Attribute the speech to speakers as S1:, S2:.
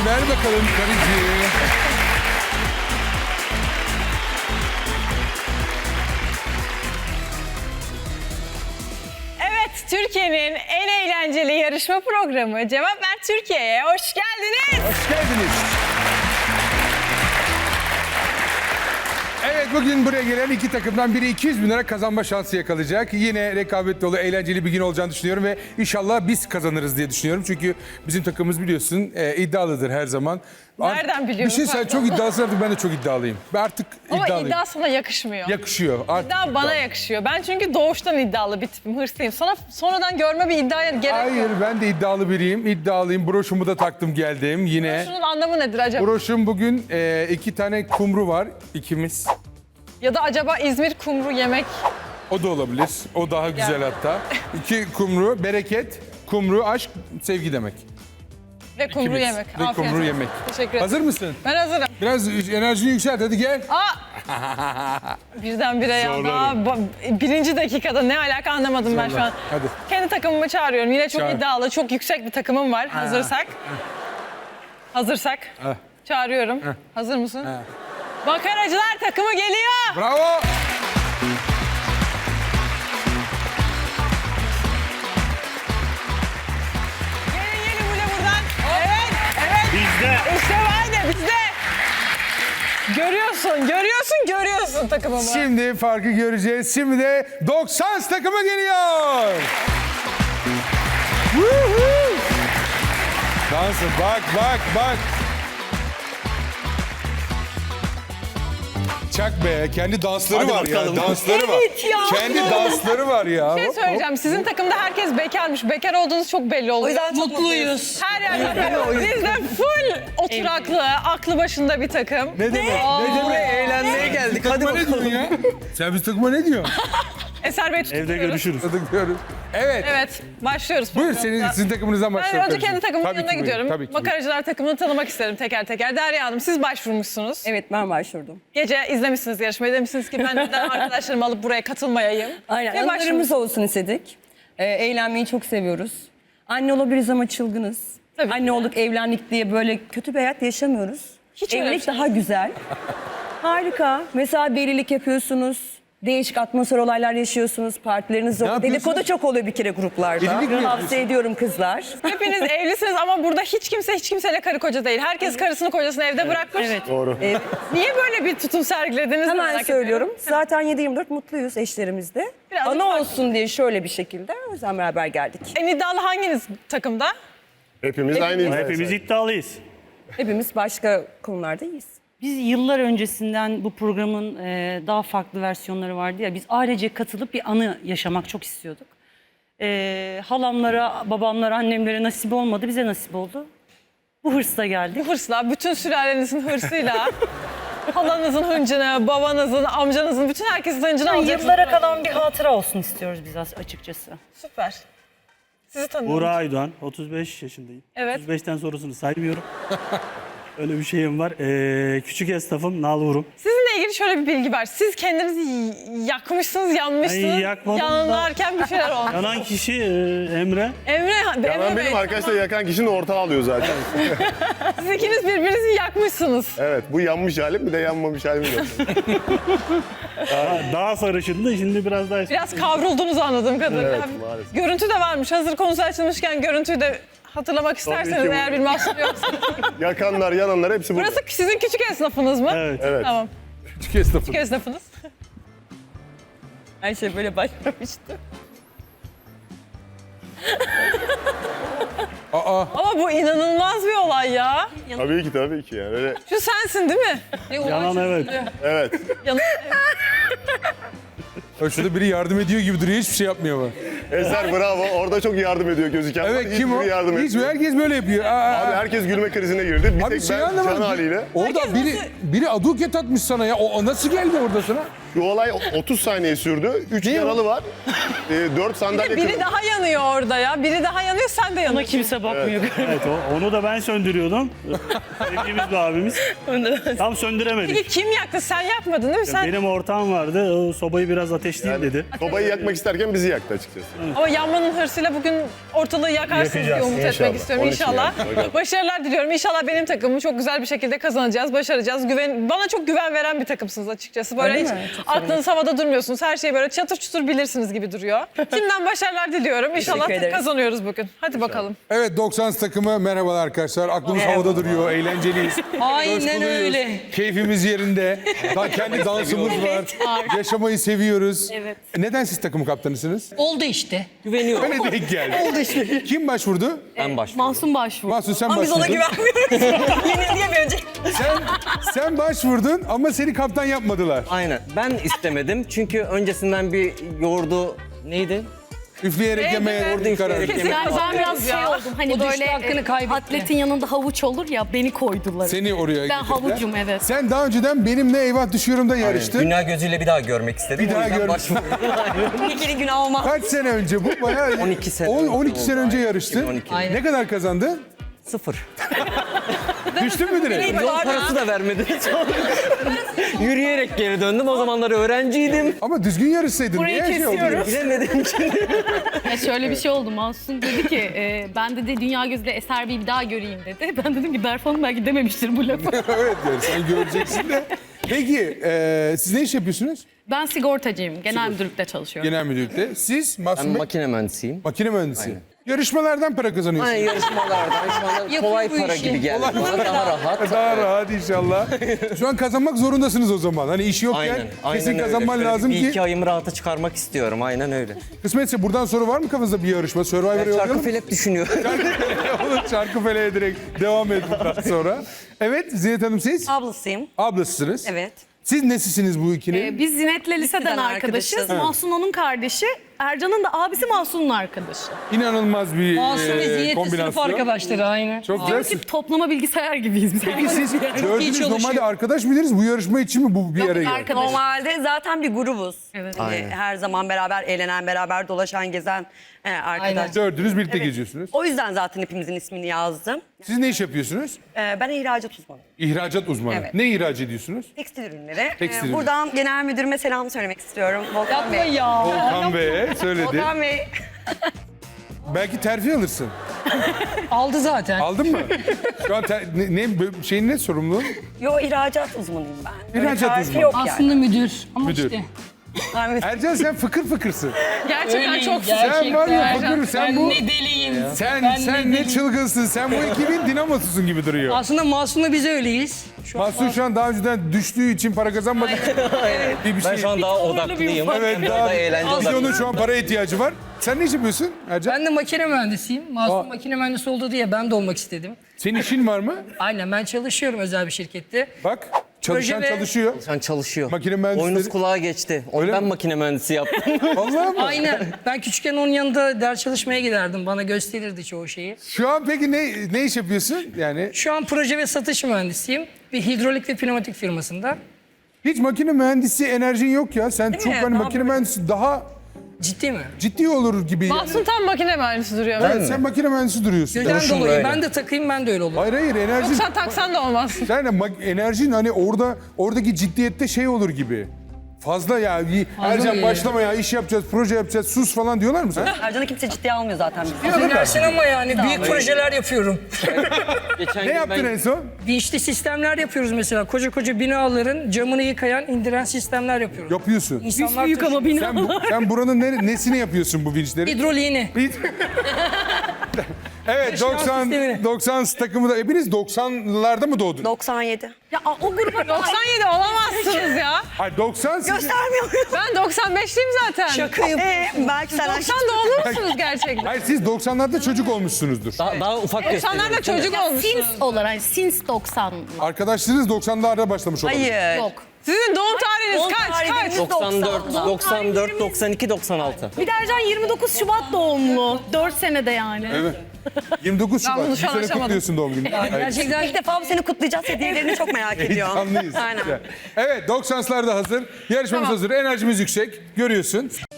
S1: Ver bakalım karıcı.
S2: Evet, Türkiye'nin en eğlenceli yarışma programı Cevap Ver Türkiye'ye hoş geldiniz.
S1: Hoş geldiniz. Evet, bugün buraya gelen iki takımdan biri 200 bin lira kazanma şansı yakalayacak. Yine rekabet dolu, eğlenceli bir gün olacağını düşünüyorum ve inşallah biz kazanırız diye düşünüyorum. Çünkü bizim takımımız biliyorsun iddialıdır her zaman.
S2: Nereden biliyorum?
S1: Bir şey sen çok iddialısın, artık ben de çok iddialıyım. Ben artık
S2: Ama
S1: iddialıyım.
S2: iddia sana yakışmıyor.
S1: Yakışıyor. Artık
S2: İddia bana yakışıyor. Ben çünkü doğuştan iddialı bir tipim, hırslıyım. Sana sonradan görme bir iddiaya gerek
S1: Hayır,
S2: yok.
S1: ben de iddialı biriyim. İddialıyım. Broşumu da taktım geldim yine.
S2: Şunun anlamı nedir acaba?
S1: Broşum bugün 2 tane kumru var. İkimiz.
S2: Ya da acaba İzmir kumru yemek...
S1: O da olabilir. O daha güzel hatta. 2 kumru, bereket, kumru, aşk, sevgi demek.
S2: Ve kumru
S1: İkimiz.
S2: yemek.
S1: Ve
S2: Afiyet
S1: kumru
S2: olsun.
S1: yemek.
S2: Teşekkür ederim.
S1: Hazır mısın?
S2: Ben hazırım.
S1: Biraz enerjini yükselt, hadi gel.
S2: Birdenbire ya. Daha birinci dakikada ne alaka anlamadım ben şu an.
S1: Hadi.
S2: Kendi takımımı çağırıyorum. Yine çok
S1: Çağır.
S2: iddialı, çok yüksek bir takımım var. Hazırsak. Hazırsak. Çağırıyorum. Hazır mısın? Makaracılar takımı geliyor.
S1: Bravo.
S2: Gelin buraya buradan. Evet, evet.
S3: Bizde.
S2: İşte var ya bizde. Görüyorsun takımımı.
S1: Şimdi farkı göreceğiz. Şimdi de 90 takımı geliyor. Woohoo! Dansı bak. Çak be, kendi dansları
S3: Hadi
S1: var
S3: bakalım.
S1: ya, dansları var.
S2: Evet ya.
S1: Kendi dansları var ya.
S2: Bir şey söyleyeceğim. Sizin takımda herkes bekarmış. Bekar olduğunuz çok belli oluyor.
S4: O yüzden çok mutluyuz.
S2: Her yerde biz de full oturaklı, aklı başında bir takım.
S1: Ne demek?
S4: Buraya eğlenmeye geldik. Hadi
S1: Takıma ne diyorsun
S4: bakalım.
S1: ya? Sen biz takıma ne diyorsun?
S2: Eser Bey
S3: Evde
S2: tutuyoruz.
S3: görüşürüz.
S1: Diyoruz. Evet.
S2: Evet, başlıyoruz.
S1: Buyur,
S2: programımıza.
S1: sizin takımınızdan
S2: Ben
S1: başlayalım.
S2: önce kendi takımımın
S1: Tabii
S2: yanına
S1: ki buyurun,
S2: gidiyorum.
S1: tabii ki.
S2: Makaracılar takımını tanımak isterim teker teker. Derya Hanım, siz başvurmuşsunuz.
S4: Evet, ben başvurdum.
S2: Gece izlemişsiniz yarışmayı. Demişsiniz ki ben neden arkadaşlarımı alıp buraya katılmayayım.
S4: Aynen,
S2: Ve
S4: anılarımız olsun istedik. Eğlenmeyi çok seviyoruz. Anne olabiliriz ama çılgınız.
S2: Tabii
S4: Anne
S2: ki.
S4: olduk, evlendik diye böyle kötü bir hayat yaşamıyoruz.
S2: Hiç öyle bir
S4: Evlilik
S2: şey
S4: daha güzel. Harika. Mesela delilik yapıyorsunuz. Değişik atmosfer olaylar yaşıyorsunuz. Partileriniz oluyor.
S1: yapıyorsunuz?
S4: Dedikodu çok oluyor bir kere gruplarda.
S1: Delilik mi yapıyorsun?
S4: Tavsiye ediyorum kızlar.
S2: Hepiniz evlisiniz ama burada hiç kimseyle karı koca değil. Herkes karısını kocasını evde bırakmış. Evet.
S3: Doğru.
S2: Niye böyle bir tutum sergilediniz?
S4: Hemen
S2: merak
S4: söylüyorum.
S2: ediyorum.
S4: Zaten 7-24 mutluyuz eşlerimizle.
S2: Birazcık
S4: Ana
S2: farklı.
S4: olsun diye şöyle bir şekilde o yüzden beraber geldik.
S2: En iddialı hanginiz takımda?
S5: Hepimiz aynıyız.
S3: Hepimiz iddialıyız.
S4: Hepimiz başka konularda iyiyiz.
S6: Biz yıllar öncesinden bu programın daha farklı versiyonları vardı ya, biz ailece katılıp bir anı yaşamak çok istiyorduk. Halamlara, babamlara, annemlere nasip olmadı, bize nasip oldu. Bu hırsla geldik.
S2: Bu hırsla, bütün sülalenizin hırsıyla, halanızın hıncını, babanızın, amcanızın, bütün herkesin hıncını
S6: Yani
S2: alacaksınız.
S6: yıllara kalan bir hatıra olsun istiyoruz biz açıkçası.
S2: Süper. Sizi tanıyorum.
S3: Buğra Aydoğan, 35 yaşındayım.
S2: Evet.
S3: 35'ten sonrasını saymıyorum. Öyle bir şeyim var. Küçük esnafım, nalburum.
S2: Sizinle ilgili şöyle bir bilgi var. Siz kendinizi yakmışsınız, yanmışsınız.
S3: Ay, yakmadım da.
S2: Yanarken bir şeyler olmuş.
S3: Yanan kişi Emre.
S2: Emre
S5: Yanan
S2: Bey,
S5: benim, arkadaşlar yakan kişinin ortağı alıyor zaten.
S2: siz ikiniz birbirinizi yakmışsınız.
S5: Evet, bu yanmış halim, bir de yanmamış halim de.
S3: Daha sarışındı, şimdi biraz daha...
S2: Biraz kavrulduğunuzu anladığım kadarıyla.
S5: Evet,
S2: Hafif-
S5: maalesef.
S2: Görüntü de varmış. Hazır konusu açılmışken görüntüyü de hatırlamak isterseniz
S5: ki bu-
S2: eğer bir mahsur yoksa.
S5: Yakanlar, yananlar hepsi burada.
S2: Burası sizin küçük esnafınız mı?
S3: Evet.
S5: Evet.
S2: Tamam.
S1: Küçük esnafı.
S2: Küçük esnafınız.
S4: Her şey böyle başlamıştı.
S1: Aa,
S2: Ama bu inanılmaz bir olay ya.
S5: Tabii ki yani. Öyle,
S2: Şu sensin değil mi?
S3: Yanan evet.
S5: evet.
S1: şurada biri yardım ediyor gibi duruyor, hiçbir şey yapmıyor ama.
S5: Eser bravo, orada çok yardım ediyor gözüken.
S1: Evet, kim o?
S5: Hiçbiri yardım
S1: Hiç,
S5: etmiyor.
S1: herkes böyle yapıyor.
S5: Abi herkes gülme krizine girdi. Bir
S1: Abi
S5: tek
S1: şey
S5: ben can
S1: anlamadım.
S5: haliyle.
S1: Orada biri aduket atmış sana ya. O nasıl geldi orada sana?
S5: Şu olay 30 saniye sürdü. 3 yaralı var. 4 sandalye
S2: Biri
S5: kırıldı.
S2: daha yanıyor orada ya. Biri daha yanıyor, sen de
S6: Buna
S2: yanıyorsun.
S6: kimse bakmıyor.
S3: Evet onu da ben söndürüyordum. Sevdiğimiz bir abimiz. Tam söndüremedik.
S2: Peki kim yaktı? Sen yakmadın değil mi? Sen...
S3: Benim ortağım vardı. O sobayı biraz ateşleyeyim dedi.
S5: Sobayı yakmak isterken bizi yaktı açıkçası.
S2: Ama yanmanın hırsıyla bugün ortalığı yakarsınız diye
S3: Yakacağız,
S2: umut
S5: inşallah.
S2: etmek istiyorum
S5: Onun için
S2: inşallah.
S5: yani, bakalım.
S2: Başarılar diliyorum. İnşallah benim takımımı çok güzel bir şekilde kazanacağız, başaracağız. Bana çok güven veren bir takımsınız açıkçası. Böyle
S4: Öyle
S2: hiç
S4: mi?
S2: aklınız havada durmuyorsunuz. Her şeyi böyle çatır çutur bilirsiniz gibi duruyor. Şimdiden başarılar diliyorum. İnşallah
S4: Teşekkür ederiz.
S2: kazanıyoruz bugün. Hadi bakalım.
S1: Evet 90 takımı merhabalar arkadaşlar. Aklımız havada duruyor, eğlenceliyiz.
S6: Aynen
S1: Coşkuluyuz,
S6: öyle.
S1: Keyfimiz yerinde. Kendi dansımız var. Yaşamayı seviyoruz.
S6: Evet.
S1: Neden siz takım kaptanısınız?
S7: Oldu işte.
S1: Öyle denk geldi. Oldu işte. Kim başvurdu?
S7: Ben başvurdum. Mahsun başvurdu.
S1: Mahsun sen
S4: Ama biz ona
S1: başvurdun.
S4: güvenmiyoruz. Yenilgiye bir önce.
S1: Sen başvurdun ama seni kaptan yapmadılar.
S7: Aynen. Ben istemedim çünkü öncesinden bir yoğurdu neydi?
S1: Üfleyerek yemeye
S7: Orada
S1: karar.
S7: üfleyerek
S2: Kesin
S7: yemek.
S2: kazanıyoruz
S8: Ben biraz şey
S2: ya.
S8: oldum hani
S7: O düştü,
S8: böyle
S7: hakkını kaybetti.
S8: atletin yanında havuç olur ya beni koydular.
S1: Seni oraya
S8: Ben
S1: getirdiler.
S8: havucum, evet.
S1: Sen daha önceden benimle eyvah düşüyorum da yarıştın.
S7: Dünya gözüyle bir daha görmek istedim.
S1: Bir
S7: O
S1: daha
S7: yüzden
S1: görmek
S7: başvurdum.
S4: İkili günah olmaz.
S1: Kaç sene önce bu? Bayağı
S7: 12 sene
S1: 12
S7: oldu.
S1: sene önce
S7: Aynen.
S1: yarıştın.
S7: 2012.
S1: Ne kadar kazandın?
S7: 0.
S1: Düştün mü direkt?
S7: Yol parası da vermedi. Yürüyerek geri döndüm. O zamanlar öğrenciydim.
S1: Ama düzgün yarışsaydın.
S2: Burayı
S1: Niye şey oldu?
S2: kesiyoruz.
S7: Bilemedim ki.
S8: Ya şöyle bir şey oldu. Mahsun dedi ki ben dedi dünya gözüyle Eser Bey'i bir daha göreyim dedi. Ben dedim ki Berf Hanım belki dememiştir bu lafı.
S1: Evet yani sen göreceksin de. Peki siz ne iş yapıyorsunuz?
S8: Ben sigortacıyım. Genel müdürlükte çalışıyorum.
S1: Genel müdürlükte. Siz
S7: Ben
S1: Mahsun Bey?
S7: makine mühendisiyim.
S1: Makine mühendisi.
S7: Aynen.
S1: Yarışmalardan para kazanıyorsunuz.
S7: Aynen yarışmalardan şu anda kolay para gibi geldi bana. Daha rahat.
S1: Daha rahat inşallah. Şu an kazanmak zorundasınız o zaman. Hani iş yokken
S7: Aynen. Aynen
S1: kesin
S7: öyle.
S1: kazanman
S7: Şöyle
S1: lazım
S7: bir
S1: ki.
S7: iki ayımı rahata çıkarmak istiyorum. Aynen öyle.
S1: Kısmetse buradan sonra var mı kafanızda bir yarışma? Survivor'a
S7: Şarkı
S1: yollayalım.
S7: felek düşünüyorum.
S1: Olur Çarkıfele'ye direkt devam edin daha sonra. Evet Zinet Hanım siz?
S4: Ablasıyım.
S1: Ablasısınız.
S4: Evet.
S1: Siz nesisiniz bu ikinin?
S8: Biz Zinet'le liseden
S4: Liseden
S8: arkadaşız.
S4: arkadaşız.
S8: Mahsun onun kardeşi. Ercan'ın da abisi Mahsun'un arkadaşı.
S1: İnanılmaz bir kombinasyon.
S6: arkadaşları aynı.
S1: Çok güzel.
S8: Çünkü toplama bilgisayar gibiyiz biz.
S1: Peki siz dördünüz normalde arkadaş mıydınız? Bu yarışma için mi bu bir araya geldi?
S8: Arkadaş.
S4: Normalde zaten bir grubuz.
S8: Evet.
S4: Hani
S7: Aynen.
S4: her zaman beraber eğlenen, beraber dolaşan, gezen arkadaş.
S1: Dördünüz birlikte
S4: Evet.
S1: geziyorsunuz.
S4: O yüzden zaten hepimizin ismini yazdım.
S1: Siz ne iş yapıyorsunuz?
S4: Ben ihracat uzmanıyım.
S1: İhracat uzmanı.
S4: Evet.
S1: Ne ihraç ediyorsunuz?
S4: Tekstil ürünleri.
S1: Tekstil ürünleri.
S4: Buradan genel müdürüme selam söylemek istiyorum. Volkan Bey.
S1: Volkan Bey'e söyledi.
S4: Volkan Bey.
S1: Belki terfi alırsın.
S6: Aldı zaten.
S1: Aldın mı? Şu an şeyin ne sorumlu?
S4: Yo ihracat uzmanıyım ben. Öyle
S1: İhracat
S4: tarifi
S1: uzmanı.
S4: yok yani.
S6: Aslında müdür. Ama
S1: Müdür.
S6: işte.
S4: Evet.
S1: Ercan sen fıkır fıkırsın.
S2: Gerçekten çok
S1: Sen var ya fıkır sen bu.
S6: Ne deliyim.
S1: Sen ne çılgınsın. Sen bu ekibin dinamosusun gibi duruyor.
S6: Aslında Masum'la biz öyleyiz.
S1: Mahsun şu an daha önceden düştüğü için para kazanmadığı için bir
S7: Ben şu an daha odaklıyım.
S1: Evet
S7: Biraz
S1: daha
S7: eğlence
S1: Asya'nın
S7: odaklıyım.
S1: şu an para ihtiyacı var. Sen ne iş yapıyorsun Ercan?
S9: Ben de makine mühendisiyim. Masum makine mühendisi oldu diye ben de olmak istedim.
S1: Senin işin var mı?
S9: Aynen ben çalışıyorum özel bir şirkette.
S1: Bak çalışan
S9: Proje ve-
S1: çalışıyor.
S7: Sen çalışıyor.
S1: Makine mühendisleri-
S7: Boynuz kulağa geçti. Onu
S1: Öyle
S7: ben
S1: mi?
S7: makine mühendisi yaptım.
S1: Vallahi mı?
S9: Aynen. Ben küçükken onun yanında ders çalışmaya giderdim. Bana gösterirdi çoğu şeyi.
S1: Şu an peki ne iş yapıyorsun? Yani
S9: Şu an proje ve satış mühendisiyim. Bir hidrolik ve pneumatik firmasında.
S1: hiç makine mühendisi enerjin yok ya. Sen çok
S4: mi?
S1: hani
S4: Ne
S1: makine mühendisi daha
S9: Ciddi mi?
S1: ciddi olur gibi.
S2: Mahsun tam makine mühendisi duruyor.
S1: Evet, sen makine mühendisi duruyorsun.
S9: Neden
S7: Duruşum
S9: dolayı?
S7: böyle.
S9: Ben de takayım ben de öyle olurum.
S1: Hayır enerjin.
S2: Sen taksan da olmaz.
S1: Sen de enerjin hani oradaki ciddiyette şey olur gibi. Fazla ya. Ercan
S9: mı?
S1: başlama ya iş yapacağız, proje yapacağız, sus falan diyorlar mı sana?
S4: Ercan'ı kimse ciddiye almıyor zaten. bizi.
S9: Affedersin ama yani büyük projeler yapıyorum.
S7: Geçen
S1: Ne
S7: gün
S1: yaptın
S7: ben
S1: en son?
S9: Vinçli sistemler yapıyoruz mesela. Koca koca binaların camını yıkayan, indiren sistemler yapıyoruz.
S1: Yapıyorsun.
S9: İnsanlar
S8: Büyük ama bina.
S1: Sen buranın nesini yapıyorsun bu vinçleri?
S9: hidroliğini.
S1: Evet
S9: Yaşayan
S1: 90
S9: sistemini.
S1: takımı da hepiniz 90'larda mı doğdunuz?
S4: 97.
S8: Ya o gruba
S2: 97 olamazsınız ya.
S1: Hayır 90 siz.
S4: Göstermiyor muyum?
S2: Ben 95'liyim zaten.
S4: Şakayım. Belki sen
S2: 90 doğumlu musunuz gerçekten?
S1: Hayır siz 90'larda çocuk olmuşsunuzdur.
S7: daha ufak gösteriyorum.
S2: 90'larda çocuk olmuşsunuz.
S8: Sins olarak Sins 90.
S1: Arkadaşlarınız 90'larda başlamış olabilir.
S4: Hayır.
S8: Yok.
S2: Sizin doğum tarihiniz
S4: Doğum
S2: kaç?
S4: tarihiniz-
S7: 94, 94, 92, 96.
S8: Bir de Ercan 29 Şubat doğumlu. 4 senede yani.
S1: Evet. 29
S2: Ben
S1: Şubat.
S2: bunu
S1: Bir
S2: şu an
S1: sene
S2: aşamadım.
S1: kutluyorsun doğum gününü.
S4: Gerçekten ilk defa bu seni kutlayacağız. Hediyelerini çok merak ediyor.
S1: Heyecanlıyız.
S4: Aynen.
S1: Evet, 90'lar da hazır. Yarışmamız
S2: Tamam.
S1: hazır. Enerjimiz yüksek. Görüyorsun.